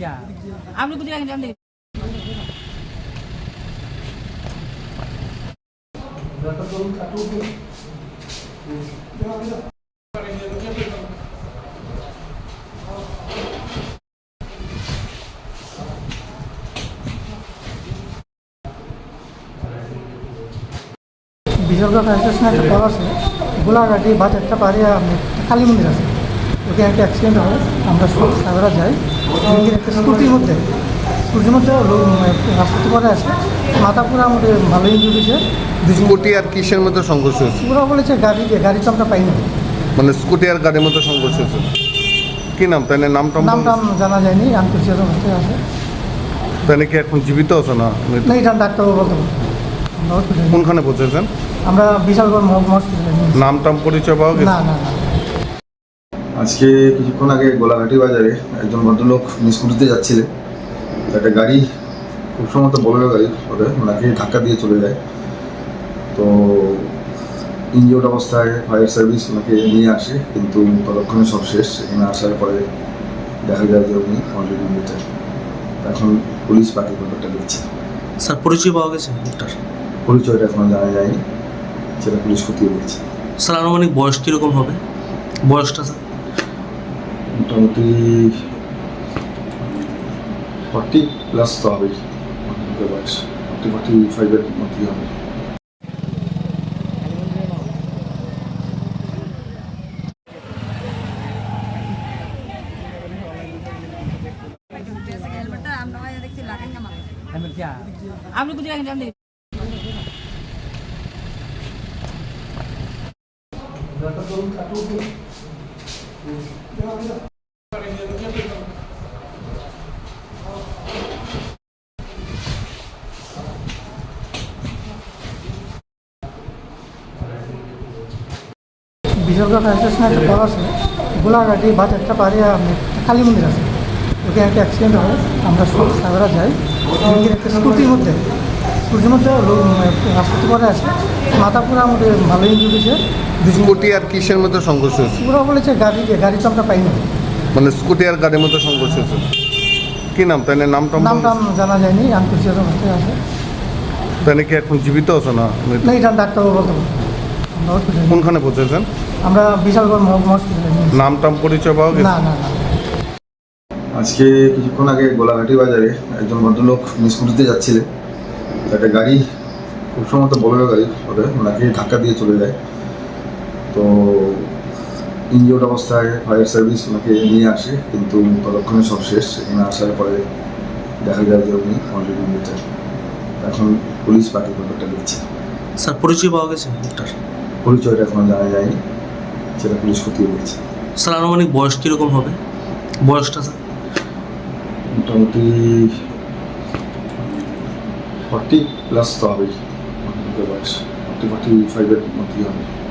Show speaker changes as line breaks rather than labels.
আপনি কোথায় গেছেন জানেন?
বিশালগড় ফায়ার স্টেশনে একটা কল আছে, গোলাঘাটি বাজারটা পারে কালী মন্দির আছে, ওখানে একটা অ্যাক্সিডেন্ট হয়। আমরা সব সাগরা যাই, ওইদিকে একটা স্কুটির মধ্যে রাস্তাতে পরে আছে, মাথা পুরো আমাদের ভালো ইঞ্জুরি হয়েছে।
স্কুটি আর কিসের মধ্যে সংঘর্ষ হয়েছে?
পুরো বলেছে গাড়ি তো আমরা পাইনি।
মানে স্কুটি আর গাড়ির মধ্যে সংঘর্ষ হয়েছে। কি নাম তাই নামটা
জানা যায়নি, আনকোশিয়াস অবস্থায় আছে।
তাই কি এখন জীবিত আছে না?
না, এটা ডাক্তারবাবু বলতে পারবো।
কোনখানে পৌঁছেছেন?
আমরা বিশালগড় হসপিটালে।
নাম টাম পরিচয় পাওয়া গেছে?
না।
আজকে কিছুক্ষণ আগে গোলাঘাটি বাজারে একজন ভদ্রলোক স্কুটিতে যাচ্ছিলেন, একটা গাড়ি খুব সম্ভবত বোলেরো গাড়ি ওনাকে ধাক্কা দিয়ে চলে যায়। তো ইনজিওর্ড অবস্থায় ফায়ার সার্ভিস ওনাকে নিয়ে আসে, কিন্তু ততক্ষণে সব শেষ। এখানে আসার পরে দেখা যায় যে উনি অলরেডি মৃত। এখন পুলিশ বাকি ব্যাপারটা দেখছে।
স্যার পরিচয় পাওয়া গেছে লোকটার?
পরিচয়টা এখনো জানা যায়নি, সেটা পুলিশ খতিয়ে দেখছে।
স্যার আনুমানিক বয়স কীরকম হবে? বয়সটা স্যার
মোটামুটি 40+ তো হবেই, বয়স 40-45-এর মধ্যেই হবে।
আপনি কোথায় গেছেন জানেন?
বিশালগড় ফায়ার স্টেশনে একটা কল আছে, গোলাঘাটি বাজারটা পারে কালী মন্দির আছে, ওখানে একটা অ্যাক্সিডেন্ট হয়। আমরা সব সাগরা যাই, ওইদিকে একটা স্কুটির মধ্যে রাস্তাতে পরে আছে, মাথা পুরো আমাদের ভালো ইঞ্জুরি হয়েছে।
স্কুটি আর কিসের মধ্যে সংঘর্ষ হয়েছে?
পুরো বলেছে গাড়ি তো আমরা পাইনি।
মানে স্কুটি আর গাড়ির মধ্যে সংঘর্ষ হয়েছে। কি নাম তাই নামটা
জানা যায়নি, আনকোশিয়াস অবস্থায় আছে।
তাই কি এখন জীবিত আছে না?
না, এটা ডাক্তারবাবু বলতে পারবো।
কোনখানে পৌঁছেছেন?
আমরা বিশালগড় হসপিটালে।
নাম টাম পরিচয় পাওয়া গেছে?
না।
আজকে কিছুক্ষণ আগে গোলাঘাটি বাজারে একজন ভদ্রলোক স্কুটিতে যাচ্ছিলেন, একটা গাড়ি খুব সম্ভবত বোলেরো গাড়ি ওনাকে ধাক্কা দিয়ে চলে যায়। তো ইনজিওর্ড অবস্থায় ফায়ার সার্ভিস ওনাকে নিয়ে আসে, কিন্তু ততক্ষণে সব শেষ। এখানে আসার পরে দেখা যায় যে উনি অলরেডি মৃত। এখন পুলিশ বাকি ব্যাপারটা দেখছে।
স্যার পরিচয় পাওয়া গেছে লোকটার?
পরিচয়টা এখনো জানা যায়নি, সেটা পুলিশ খতিয়ে দেখছে।
স্যার আনুমানিক বয়স কীরকম হবে? বয়সটা স্যার
মোটামুটি 40+ তো হবেই, বয়স 40-45-এর মধ্যেই হবে।